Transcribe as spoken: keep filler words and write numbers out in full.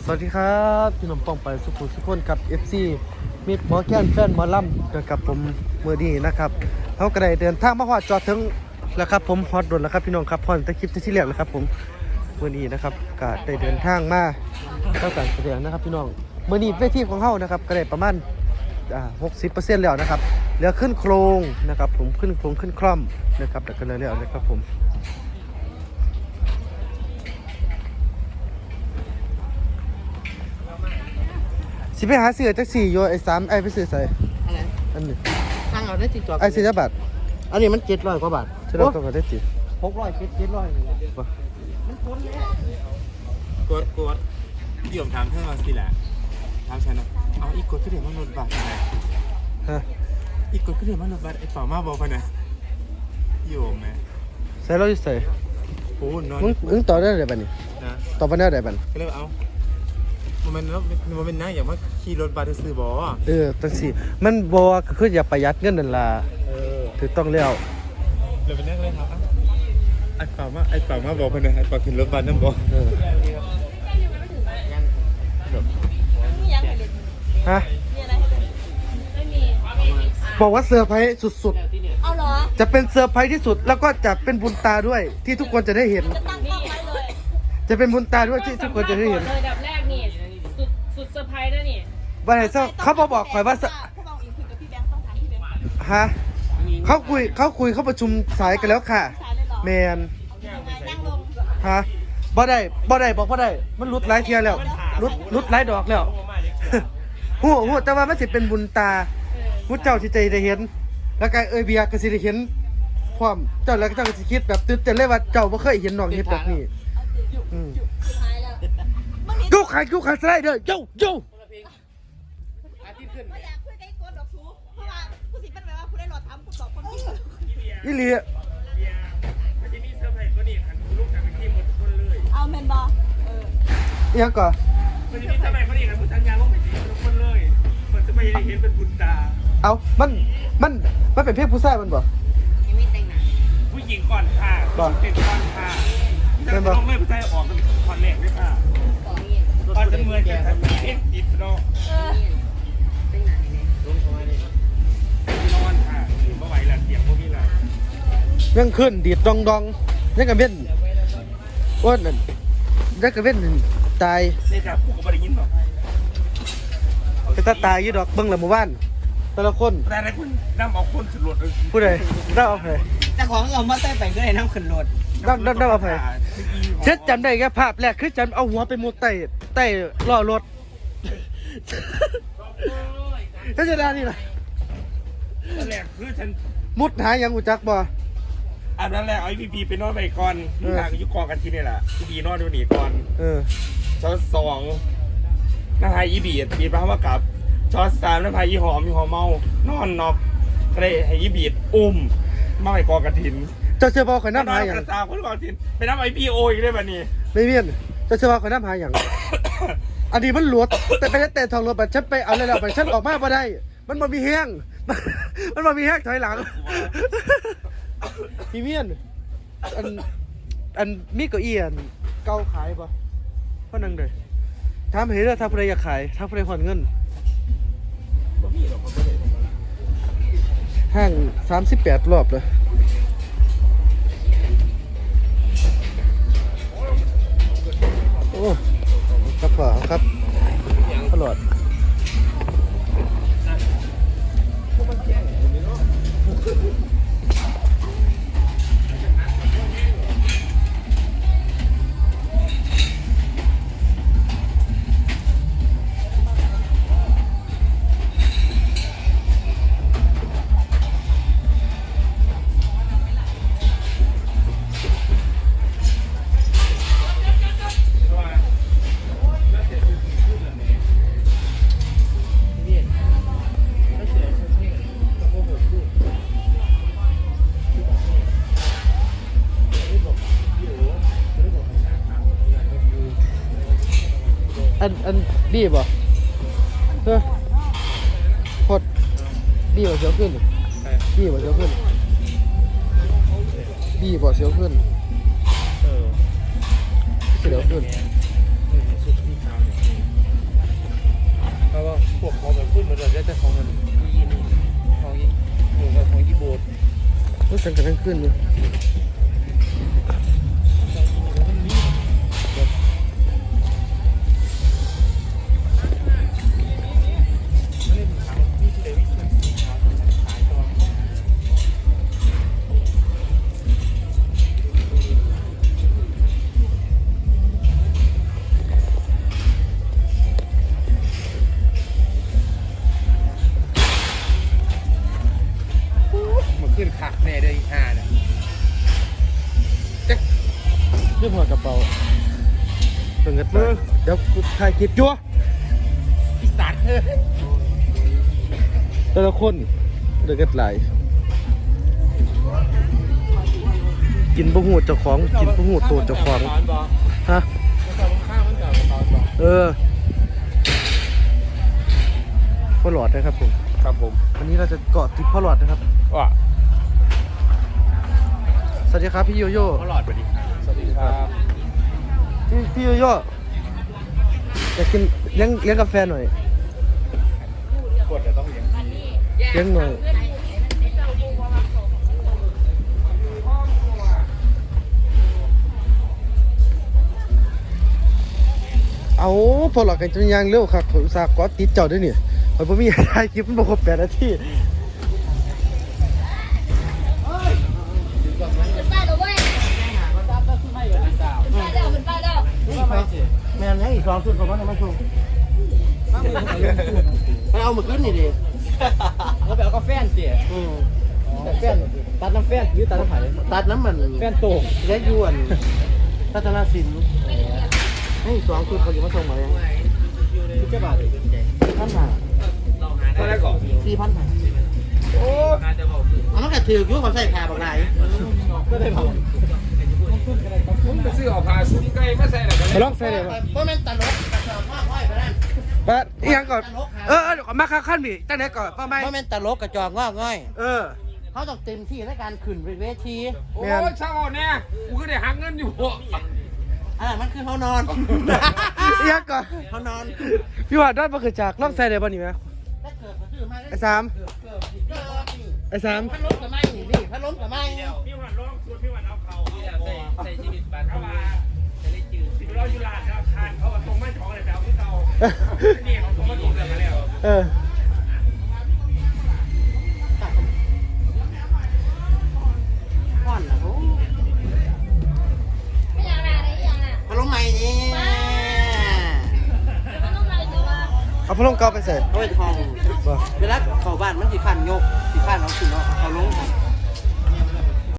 สวัสดีครับพี่น้องป้องไปสุขุมสุขคนกับ เอฟ ซี มิดหมอแก้นแฟนหมอลำกับผมเมื่อนี้นะครับเขาก็ได้เดินทางมาฮอดจอดถึงแล้วครับผมฮอดรถแล้วครับพี่น้องครับพอนตะคลิปที่เรียกแล้วครับผมเมื่อนี้นะครับก็ได้เดินทางมาเข้าการแสดงนะครับพี่น้องเมื่อนี้เวทีของเขานะครับก็ได้ประมาณอ่าหกสิบเปอร์เซ็นต์แล้วนะครับเหลือขึ้นโครงนะครับผมขึ้นโครงขึ้นคล่อมนะครับแต่ก็เลยแล้วนะครับผมสิไปหาเสือจักสี่โยไอ้สามไอ้ไปซื้อใส่อะไรอันนี้ตั้งเอาได้ติดจอไอ้สี่บาทอันนี้มันเจ็ดร้อยกว่าบาทใช่เราต้องการได้จีหกร้อยเจ็ดเจ็ดร้อยเลยมันพ้นแล้วกดกดพี่ผมถามเพื่อนมาสิแหละถามฉันนะเอาอีกกดก็เดี๋ยวมันลดบัตรไงฮะอีกกดก็เดี๋ยวมันลดบัตรไอ้เป่ามาบอกกันนะโยมไหมใส่เราจะใส่โอ้นอนมึงมึงต่อได้ไหนบ้านี่นะต่อไปได้ไหนบ้านก็เลยเอามันมันมันเป็นนะอย่างว่าขี่รถบัตรซื้อบอเออตั้งสี่มันบอกว่าคืออย่าประหยัดเงินนั่นล่ะถือต้องเลี้ยวเลยเป็นนักเลยครับไอ้เป่ามาไอ้เป่ามาบอกกันนะไอ้เป่าขึ้นรถบัตรนั่นบอกฮะบอกว่าเซอร์ไพรส์สุดๆเอาเหรอจะเป็นเซอร์ไพรส์ที่สุดแล้วก็จะเป็นบุญตาด้วยที่ทุกคนจะได้เห็นจะตั้งกล้องไว้เลยจะเป็นบุญตาด้วยที่ทุกคนจะได้เห็นเลยดับแรกนี่สุดสุดเซอร์ไพรส์นะนี่วันไหนเขาบอกบอกข่อยว่าผู้กองอิงคุยกับพี่แบงค์ต้องถามพี่แบงค์ฮะเขาคุยเขาคุยเขาประชุมสายกันแล้วค่ะแมนนั่งลงฮะบ่ได้บ่ได้บอกบ่ได้มันรุดหลายเทียแล้วรุดรุดหลายดอกแล้วหัวหัวแต่ว่ามันสิเป็นบุญตามุดเจ้าที่ใจได้เห็นแล้วก็เอ้ยเบียร์ก็สิได้เห็นพร้อมเจ้าแล้วก็เจ้าก็สิคิดแบบตื่นเต้นเลยว่าเจ้าบ่เคยเห็นน้องเฮ็ดแบบนี้อืมกูขายกูขายสไลเดอร์โย่โย่ไม่อยากคุยกับไอ้โกดดอกชูเพราะว่าผู้สิเป็นแบบว่าผู้ได้หลอดทำผู้สอบคนที่อีหลีมันจะมีเซอร์ไพรส์ก็นี่ขันลูกกันเป็นทีมหมดทุกคนเลยเอาแมนบอเออยังก่อนมันจะมีเซอร์ไพรส์ก็นี่ขันผู้ทันยาลงไปทีมทุกคนเลยมันจะไม่ได้เห็นเป็นบุญตาเอามันมันมันเป็นเพศผู้ชายมันบ่ผู้หญิงก่อนค่ะเป็นก่อนค่ะจะลงไม่ผู้ชายออกกันคอนแรกด้วยค่ะตอนจะเมื่อยจะเอ็กติดเนาะลงคอยเลยนอนค่ะเมื่อไหร่ละเสียงพวกนี้ละยังขึ้นดีดดองดองยังกระเว้นอ้วนนั่นยังกระเว้นตายนี่จ้ะผู้กับได้ยินป่ะไปตาตายยี่ดอกเบิ้งละหมู่บ้านแต่ละคนแต่ละคนน้ำเอาคนขึ้นรถผู้ใดน้ำเอาไปแต่ของเรามาใต้ไปก็ได้น้ำขึ้นรถน้ำน้ำน้ำเอาไปเช็ดจำได้แค่ภาพแรกคือจำเอาหัวไปมุดใต้ใต้ล้อรถเฮ้ยจะได้นี่ล่ะนั่นแหละคือฉันมุดหายังอุจักบ่อันนั้นแหละไอ้พีพีไปนอนไปก่อนที่ทางยุกองกันที่นี่แหละพีพีนอนดูหนีก่อนเออช้อนสองน้ำพายอีบีดบีดมาว่ากับช้อนสามน้ำพายอีหอมอีหอมเมานอนนอกก็เลยให้อีบีดอุ้มมาไปกองกันทินเจ้าเชื่อบ่ข่อยน้ำหาอย่างกระซาคนกองทินไปน้ำไอพีโออีกได้แบบนี้ไม่เวียนเจ้าเชื่อบ่ข่อยน้ำหาอย่างอันนี้มันหลวดแต่ไปแต่ทองรถบัตรฉันไปเอาเลยแล้วไปฉันออกมาบ่ได้มันบ่มีแห้งมันบ่มีแห้งถอยหลังพี่เมียนอันอันมีเก้าอี้อันเก่าขายป่ะพ่อนั่งเลยถามเห็นแล้วถ้าใครอยากขายถ้าใครผ่อนเงินห้างสามสิบแปดรอบเลยโอ้ครับพ่อครับตลอดอันอันบี้บ่เฮ้ยพดบี้บ่เสียวขึ้นบี้บ่เสียวขึ้นบี้บ่เสียวขึ้นเสียวขึ้นตั้งแต่ทั้งคืนเลยมันขึ้นขักแน่เลยห้าเนี่ยเรื่องหัวกระเป๋าเป็นกันไปเดี๋ยวกูถ่ายคลิปจั่วอีสัตว์เฮ้ยแต่ละคนเดือดไหลายกินบะหูเจ้าของกินบะหูตัวเจ้าของฮะข้าวมันกับตอนบอกเออพ่อหลอดนะครับผมครับผมวันนี้เราจะเกาะติดพ่อหลอดนะครับว่าสวัสดีครับพี่โยโย่ตลอดไปดิสวัสดีครับพี่พี่โยโย่อยากกินเลี้ยงเลี้ยงกาแฟหน่อยกดจะต้องเลี้ยงเลี้ยงหน่อยเอาพอหลอดกันจนยางเร็วครับผมอุตส่าห์เกาะติดเจ้าด้วยนี่ผมไม่มีถ่ายคลิปมันบอกครบแปดนาทีเป็นป้าเด้อเว้ยป้าเด้อเป็นป้าเด้อแม่ยังอีกสองชุดของมันมาชมไปเอามาขึ้นนี่ดิเขาไปเอากาแฟนเสียแต่แฟนตัดน้ำแฟนหรือตัดน้ำไผ่ตัดน้ำมันแฟนโต่งเล็กยวนพัฒนาสินให้สองชุดเขาอยู่มาส่งมาเลยคือแค่บาทพันห้าเท่าไหร่ก่อนสี่พันห้าโอ้เอามันก็ถือยุ่งเขาใส่ผ้าบางไรก็ได้บอกมึงไปซื้อเอาผ้าซุ้มไก่มาใส่แล้วกันมาลองใส่เลยป่ะเพราะมันตลกกระสอบว่าห้อยไปนั่นปะอีหยังก่อนเออเออเดี๋ยวก่อนมาข้างขั้นบีตั้งไหนก่อนป้าไม่เพราะมันตลกกระจอกงอกง่อยเออเขาต้องเต็มที่ในการขึ้นเวทีโอ้ยช่างอ่อนแน่กูก็ได้หักเงินอยู่อ่ามันคือเขานอนอีหยังก่อนเขานอนพี่ว่าด้านมาคือจากลองใส่เลยป่ะนี่ไหมถ้าเกิดมาซื้อมาไอ้สามเกิดเกิดเกิดนี่ไอ้สามพัดลมกับไม้นี่นี่พัดลมกับไม้พี่วันร้องชวนพี่วันเอาเขาใส่ใส่ชีวิตบ้านเขามาจะได้จืดสิบร้อยยูโรแล้วทานเขาตรงไม่ท้องเลยแต่เอาที่เตานี่เขาตรงไม่ถูกเลยมาแล้วเออก้อนนะโอ้ไม่อยากด่าได้ยังอ่ะพัดลมใหม่นี่มันต้องอะไรตัวว่าเอาพัดลมเก่าไปใส่โอ้ยทองบ่เวลาเข้าบ้านมันสิขันโยกสิขันเอาขึ้นเอาเอาลง